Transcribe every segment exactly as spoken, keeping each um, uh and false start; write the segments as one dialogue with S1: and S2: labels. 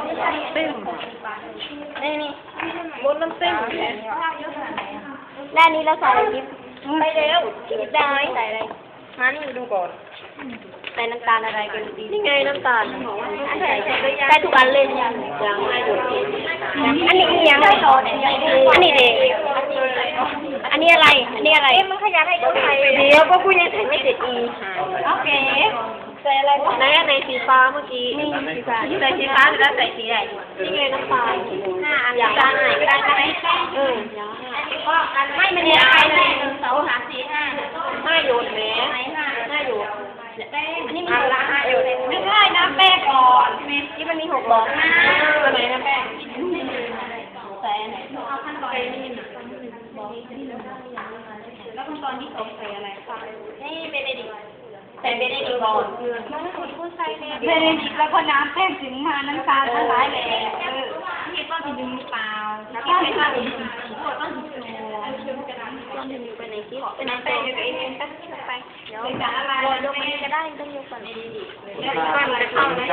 S1: เต็มนี่นี่บนน้ำเต็มด้านนี้เราใส่อะไรจิ๊บไปเร็วจิ๊บได้ใส่อะไรมานี่ดูก่อนใส่น้ำตาลอะไรกันดีนี่ไงน้ำตาลใส่ใส่ทุกอันเลยยังยังไม่หมดอันนี้ยังไม่โตอันนี้เด็กอันนี้อะไรอันนี้อะไรเอ๊ะมันขยันให้ดูใส่เดี๋ยวก็พูดยังใส่ไม่เสร็จอีโอเคใส่อะไรในในสีฟ้าเมื่อกี้นี่สีฟ้าใส่สีฟ้าแล้วใส่สีไหนนี่ไงน้ำตาลห้าอันน้ำตาลไหนก็ได้ใช่ไหมเออไม่มันยังไงเลยหนึ่งสองสามสี่ห้าห้าหยดแม่ห้าหยดอันนี้มีหกห้าหยดไม่ใช่น้ำแป้งก่อนที่มันมีหกหลอดห้าอะไรน้ำแป้งใส่ไหนเอาขั้นตอนนี้แล้วขั้นตอนที่สองใส่อะไรคะนี่เบเนดิกใส่เบเนดิกก่อนเบเนดิกแล้วก็น้ำแป้งถึงมาน้ำตาลละลายเลยเออที่ต้นถึงหรือเปล่าแล้วก็ให้ข้าวถึงตัวต้นถึงตัวต้นถึงไปไหนที่เป็นน้ำแป้งอยู่กับเองก็ไปเดี๋ยวจะอะไรยกมันก็ได้ต้องยกก่อนเองดิแล้วก็มันจะเข้าไหม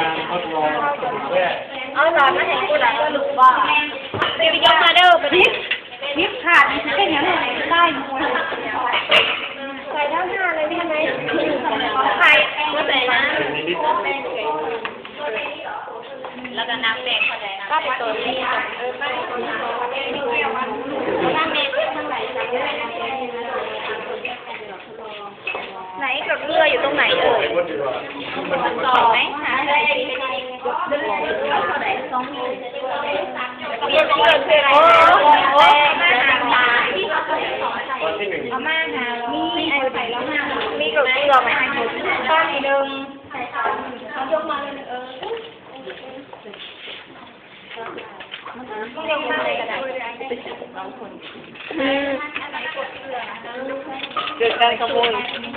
S1: เอาหลอดมาเห็นกูหลังก็รู้ว่าเดี๋ยวยกมาเด้อไปดิยิบขาดนี่คือแค่ยังไงได้หมดใส่ทั้งห้าเลยได้ไหมของใครก็ใส่นะแล้วก็น้ำแดงเข้าใจนะก็เป็นตัวนี้เออก็เป็นตัวนี้น้ำแดงข้างไหนไหนกับเรืออยู่ตรงไหนเอ่ยต่อไหมหาอะไรเรือสองมีเรือเรือคืออะไรโอ้โหเอามาหามีไอ้ใส่แล้วห้ามีกับเรือไหมต้นหนึ่งเอายกมาเลยเออยกมาเลยก็ได้เกิดการขโมย